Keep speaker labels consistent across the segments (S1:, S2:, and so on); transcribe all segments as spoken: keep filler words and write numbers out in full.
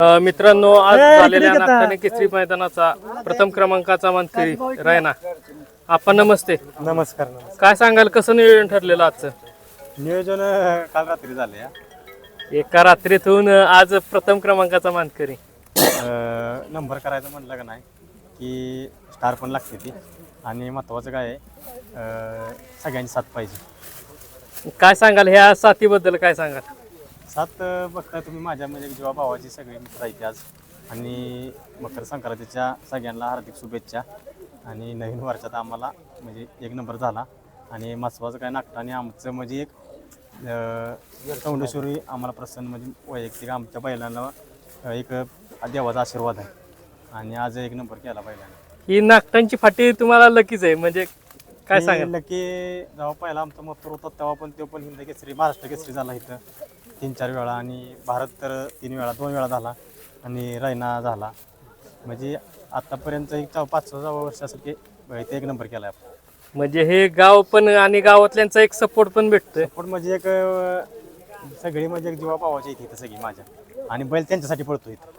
S1: अ, मित्रांनो, आज झालेल्या नागठाणे केसरी मैदानाचा प्रथम क्रमांकाचा मानकरी रायना. आपण नमस्ते.
S2: नमस्कार नमस्कार.
S1: काय सांगाल, कसं नियोजन ठरलेलं आजचं?
S2: नियोजन अं, काल रात्री झाले या
S1: एका रात्रीतून आज प्रथम क्रमांकाचा मानकरी.
S2: अं, नंबर करायचं म्हटलं का नाही की स्टार पण लागते ती, आणि महत्त्वाचं काय आहे, अं, सगळ्यांची साथ पाहिजे.
S1: काय सांगाल ह्या साथीबद्दल, काय सांगाल?
S2: साथ अं, बघताय तुम्ही, माझ्या म्हणजे जेव्हा भावाची सगळे मित्र आहेत आज, आणि मकर संक्रांतीच्या सगळ्यांना हार्दिक शुभेच्छा. आणि नवीन वर्षात आम्हाला म्हणजे एक नंबर झाला, आणि महत्त्वाचं काय, नागठाणे आमचं म्हणजे एक चौंडेश्वरी आम्हाला प्रसन्न, म्हणजे वैयक्तिक आमच्या बैलांना एक देवाचा आशीर्वाद आहे, आणि आज एक नंबर केला बैलांना.
S1: ही नागठाणची फाटी तुम्हाला लकीच आहे, म्हणजे काय सांगाल?
S2: की जेव्हा पहिला आमचा मथुर होता तेव्हा पण तो पण हिंद केसरी, महाराष्ट्र केसरी झाला इथं तीन चार वेळा, आणि भारत तर तीन वेळा दोन वेळा झाला, आणि रैना झाला. म्हणजे आतापर्यंत एक चौ पाच सहा वर्षासाठी इथे एक नंबर केला आपण.
S1: म्हणजे हे गाव पण आणि गावातल्यांचा एक सपोर्ट पण भेटतोय.
S2: पण म्हणजे एक अं, सगळी म्हणजे एक जीवा भावाची इथे इथं सगळी माझ्या, आणि बैल त्यांच्यासाठी पळतो इथं.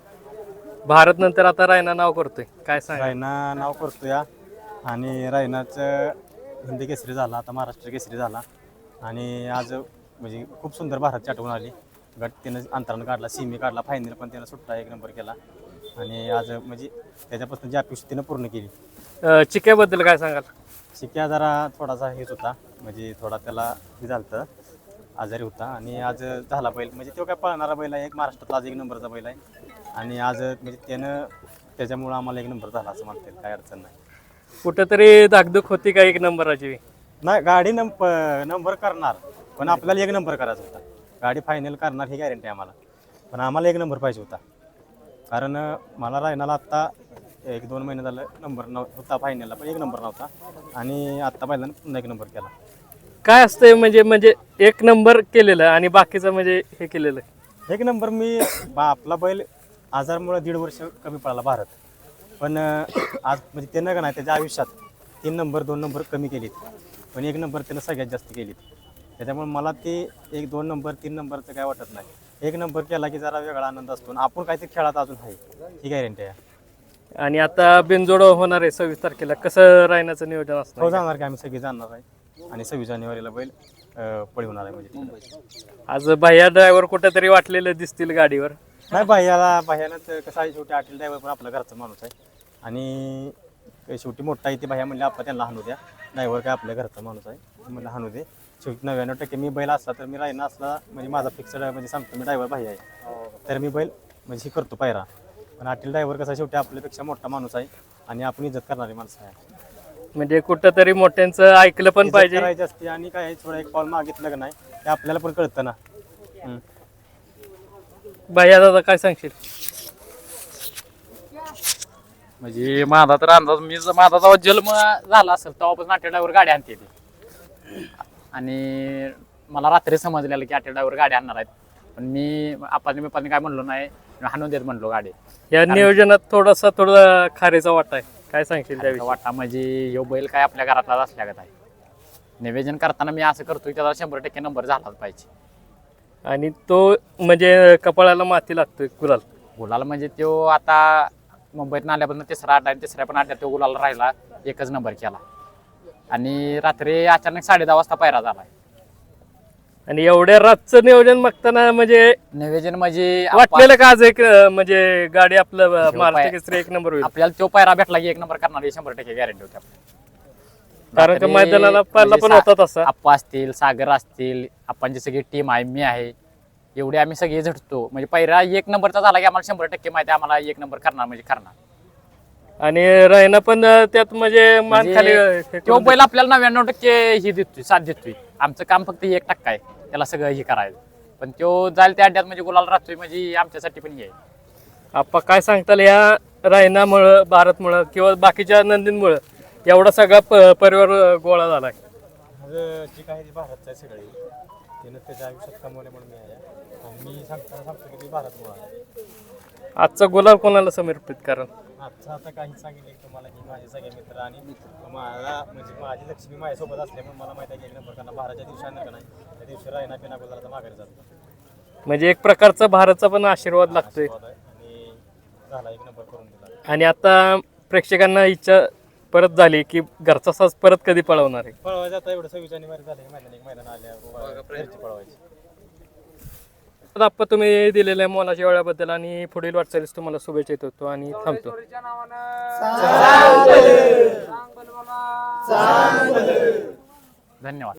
S1: भारत नंतर आता रायना नाव करतोय, काय सांगाल?
S2: रायना नाव करतो या, आणि रायनाचं हिंदी केसरी झाला, आता महाराष्ट्र केसरी झाला, आणि आज म्हणजे खूप सुंदर भारतची आठवण आली. गट त्यानं अंतरानं काढला, सिमी काढला, फायनल पण त्यानं सुट्टा एक नंबर केला, आणि आज म्हणजे त्याच्यापासून जी अपेक्षा त्यानं पूर्ण केली.
S1: अ, चिक्याबद्दल काय सांगाल?
S2: शिक्या जरा थोडासा हेच होता, म्हणजे थोडा त्याला हे झालं, आजारी होता, आणि आज झाला बैल. म्हणजे तो काय पळणारा बैल आहे, एक महाराष्ट्रातला आज एक नंबरचा बैल आहे, आणि आज म्हणजे त्यानं त्याच्यामुळं आम्हाला एक नंबर झाला असं म्हणता येईल, काय अडचण नाही.
S1: कुठंतरी धाकधूक होती का एक नंबराची?
S2: नाही, गाडी नंब नंबर करणार, पण आपल्याला एक नंबर करायचा होता. गाडी फायनल करणार ही गॅरंटी आम्हाला, पण आम्हाला एक नंबर पाहिजे होता. कारण मला रायनाला आत्ता एक दोन महिने झालं नंबर नव होता फायनलला, पण एक नंबर नव्हता, आणि आत्ता पहिल्यांदा पुन्हा एक नंबर केला.
S1: काय असतंय म्हणजे म्हणजे एक नंबर केलेलं आणि बाकीचं म्हणजे हे केलेलं?
S2: एक नंबर मी बा आपला बैल आजारमुळे दीड वर्ष कमी पडला भारत, पण आज म्हणजे त्यानं का नाही त्याच्या आयुष्यात तीन नंबर दोन नंबर कमी केलीत, पण एक नंबर त्यानं सगळ्यात जास्त केलीत. त्याच्यामुळे मला ते एक दोन नंबर तीन नंबरचं काय वाटत नाही. एक नंबर केला की जरा वेगळा आनंद असतो, आणि आपण काहीतरी खेळात अजून आहे ही गॅरंटी आहे.
S1: आणि आता बिनजोड होणार आहे सव्वीस तारखेला, कसं राहण्याचं नियोजन
S2: हो,
S1: असतं?
S2: जाणार की आम्ही सगळे जाणार आहे, आणि सव्वीस जानेवारीला बैल अं, पळवणार आहे. म्हणजे
S1: आज भैया ड्रायव्हर कुठेतरी वाटलेलं दिसतील गाडीवर.
S2: नाही, बाह्याला बाह्यानं तर कसं आहे, शेवटी आटील ड्रायव्हर पण आपला घरचा माणूस आहे, आणि शेवटी मोठा आहे ते बाह्या म्हणले आपण त्यांना हाणू द्या, ड्रायव्हर काय आपल्या घरचा माणूस आहे, म्हणलं हाणू दे. शेवटी नव्याण्णव टक्के मी बैल असला तर मी राहिना असला म्हणजे माझा फिक्सड म्हणजे सांगतो मी, ड्रायव्हर बाह्या आहे तर मी बैल म्हणजे हे करतो पायरा. पण आटील ड्रायव्हर कसा शेवटी आपल्यापेक्षा मोठा माणूस आहे, आणि आपण इज्जत करणारी माणसं आहे.
S1: म्हणजे कुठंतरी मोठ्यांचं ऐकलं पण पाहिजे.
S2: करायची असते, आणि काय थोडं एक पाऊल मागितलं का नाही ते आपल्याला पण कळतं ना.
S1: भैया दादा काय सांगशील?
S3: म्हणजे माझा तर अंदाज, मी ज- माझा जेव्हा जन्म झाला असेल तेव्हापासून आठ्या ड्रायव्हर गाडी आणते ती, आणि मला रात्री समजलेलं की आठ्या ड्रायव्हर गाडी आणणार आहेत, पण मी आपण मी पण काय म्हणलो नाही, हाणून देत म्हणलो गाडी.
S1: या नियोजनात थोडासा थोडा खारीचा वाटा आहे, काय सांगशील त्याविषयी?
S3: वाटा म्हणजे ह्यो बैल काय आपल्या घरातलाच असल्यागत आहे. निवेदन करताना मी असं करतोय त्याला शंभर टक्के नंबर झालाच पाहिजे.
S1: आणि तो म्हणजे कपाळाला माती लागतोय गुलाल.
S3: गुलाल म्हणजे तो आता मुंबईत आल्यापासून तिसरा अड्डा आणि तिसऱ्या पण अड्ड्यात तो गुलाल राहिला, एकच नंबर केला, आणि रात्री अचानक साडे दहा वाजता पायरा झाला.
S1: आणि एवढ्या रातचं नियोजन बघताना म्हणजे
S3: निवेदन म्हणजे
S1: वाटलेलं का आज एक अं, म्हणजे गाडी आपलं अं,
S3: पाय-
S1: महाराष्ट्र केसरी एक नंबर होईल?
S3: आपल्याला तो पायरा भेटला की एक नंबर करणार ही शंभर टक्के गॅरंटी होती आपल्याला.
S1: कारण त्या
S3: रात्री
S1: मैदानाला पहिला
S3: म्हणजे
S1: पण
S3: सा-
S1: होता तसा.
S3: आप्पा असतील, सागर असतील, आप्पांची सगळी टीम आहे, मी आहे, एवढे आम्ही सगळे झटतो. म्हणजे पायरा एक नंबरचा झाला की आम्हाला शंभर टक्के माहिती आहे, आम्हाला एक नंबर करणार म्हणजे करणार.
S1: आणि रायना पण अं, त्यात म्हणजे मान
S3: म्हणजे
S1: खाली अं, हे
S3: तो
S1: करून
S3: बैल आपल्याला नव्याण्णव टक्के ही देतोय, साथ देतोय. आमचं काम फक्त हे एक टक्का आहे, त्याला सगळं हे करायचं, पण तो जाईल त्या अड्ड्यात म्हणजे गुलाल राहतोय, म्हणजे आमच्यासाठी पण हे आहे.
S1: आप्पा काय सांगताल या रायनामुळं, भारतमुळं किंवा बाकीच्या नंदींमुळं एवढा सगळा प- परिवार गोळा झालाय?
S2: माझं जे काही ते भारतचं आहे सगळे, त्यानं त्याच्या आयुष्यात कमवले म्हणून मी आहे, आणि मी सांगताना सांगतो की मी भारतमुळे आहे.
S1: आजचा गुलाल कोणाला समर्पित? कारण
S2: आजचं आता काही सांगितलं की तुम्हाला की माझे सगळे मित्र, आणि मला म्हणजे माझी लक्ष्मी माझ्यासोबत असल्यामुळे मला माहिती आहे की एक नंबर करणार. बाराच्या दिवशी आणलं का नाही त्या दिवशी रायना पिना गुलाला माघारी जातो.
S1: म्हणजे एक प्रकारचा भारतचा पण आशीर्वाद लागतोय.
S2: आणि झाला एक नंबर करून दिला.
S1: आणि आता प्रेक्षकांना इच्छा परत झाली की घरचा साज परत कधी पळवणार आहे.
S2: पळवायचं आता एवढं सव्वीस जानेवारी झाले मैदान एक मैदान आल्या घरची पळवायची.
S1: तर आप्पा तुम्ही दिलेल्या मोलाच्या वेळाबद्दल आणि पुढील वाटचालीस तुम्हाला शुभेच्छा देत होतो आणि थांबतो.
S3: धन्यवाद.